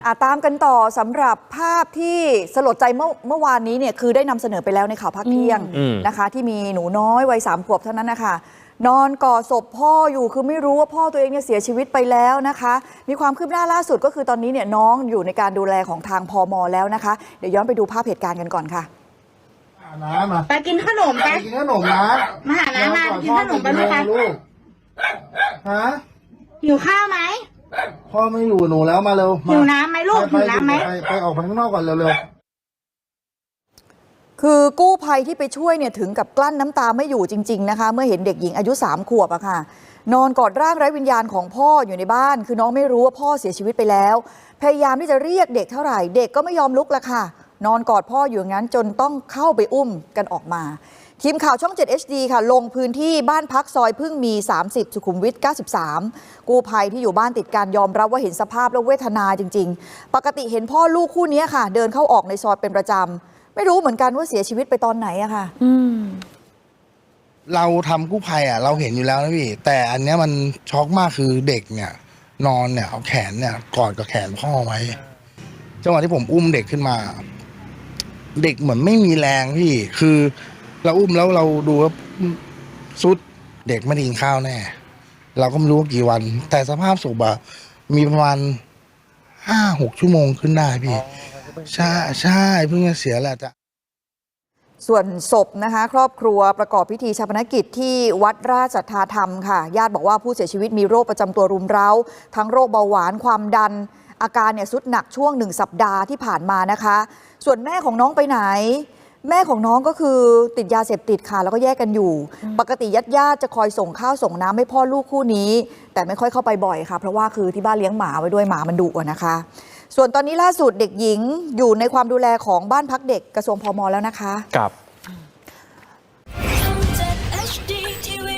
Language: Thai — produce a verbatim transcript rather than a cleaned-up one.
อาตามกันต่อสำหรับภาพที่สลดใจเมื่อเมื่อวานนี้เนี่ยคือได้นำเสนอไปแล้วในข่าวภาคเที่ยงนะคะที่มีหนูน้อยวัยสามขวบเท่านั้นนะคะนอนกอดศพพ่ออยู่คือไม่รู้ว่าพ่อตัวเองเนี่ยเสียชีวิตไปแล้วนะคะมีความคืบหน้าล่าสุดก็คือตอนนี้เนี่ยน้องอยู่ในการดูแลของทางพม.แล้วนะคะเดี๋ยวย้อนไปดูภาพเหตุการณ์กันก่อนค่ะน้ำมาไปกินขนมไปกินขนมนะมาหาน้ามากินขนมไปไหมคะลูกฮะหิวข้าวไหมพ่อไม่อยู่หนูแล้วมาเร็วหิวน้ำไหมลูกหิวน้ำไหมไปไปออกไปข้างนอกก่อนเร็วๆคือกู้ภัยที่ไปช่วยเนี่ยถึงกับกลั้นน้ำตาไม่อยู่จริงๆนะคะเมื่อเห็นเด็กหญิงอายุสามขวบอะค่ะนอนกอดร่างไร้วิญญาณของพ่ออยู่ในบ้านคือน้องไม่รู้ว่าพ่อเสียชีวิตไปแล้วพยายามที่จะเรียกเด็กเท่าไหร่เด็กก็ไม่ยอมลุกละค่ะนอนกอดพ่ออยู่อย่างนั้นจนต้องเข้าไปอุ้มกันออกมาทีมข่าวช่อง เจ็ด เอช ดี ค่ะลงพื้นที่บ้านพักซอยพึ่งมีสามสิบสุขุมวิทเก้าสิบสามกู้ภัยที่อยู่บ้านติดกันยอมรับว่าเห็นสภาพแล้วเวทนาจริงๆปกติเห็นพ่อลูกคู่นี้ค่ะเดินเข้าออกในซอยเป็นประจำไม่รู้เหมือนกันว่าเสียชีวิตไปตอนไหนอะค่ะเราทำกู้ภัยอ่ะเราเห็นอยู่แล้วนะพี่แต่อันเนี้ยมันช็อกมากคือเด็กเนี่ยนอนเนี่ยเอาแขนเนี่ยกอดกับแขนพ่อไว้จังหวะที่ผมอุ้มเด็กขึ้นมาเด็กเหมือนไม่มีแรงพี่คือเราอุ้มแล้วเราดูว่าสุดเด็กไม่ได้กินข้าวแน่เราก็ไม่รู้ว่ากี่วันแต่สภาพศพอะมีประมาณห้าหกชั่วโมงขึ้นได้พี่ใช่ใช่เพิ่งจะเสียแหละจ้ะส่วนศพนะคะครอบครัวประกอบพิธีชาปนกิจที่วัดราชสัทธาธรรมค่ะญาติบอกว่าผู้เสียชีวิตมีโรคประจำตัวรุมเร้าทั้งโรคเบาหวานความดันอาการเนี่ยสุดหนักช่วงหนึ่งสัปดาห์ที่ผ่านมานะคะส่วนแม่ของน้องไปไหนแม่ของน้องก็คือติดยาเสพติดค่ะแล้วก็แยกกันอยู่ปกติญาติญาติจะคอยส่งข้าวส่งน้ำให้พ่อลูกคู่นี้แต่ไม่ค่อยเข้าไปบ่อยค่ะเพราะว่าคือที่บ้านเลี้ยงหมาไว้ด้วยหมามันดุนะคะส่วนตอนนี้ล่าสุดเด็กหญิงอยู่ในความดูแลของบ้านพักเด็กกระทรวงพม.แล้วนะคะครับ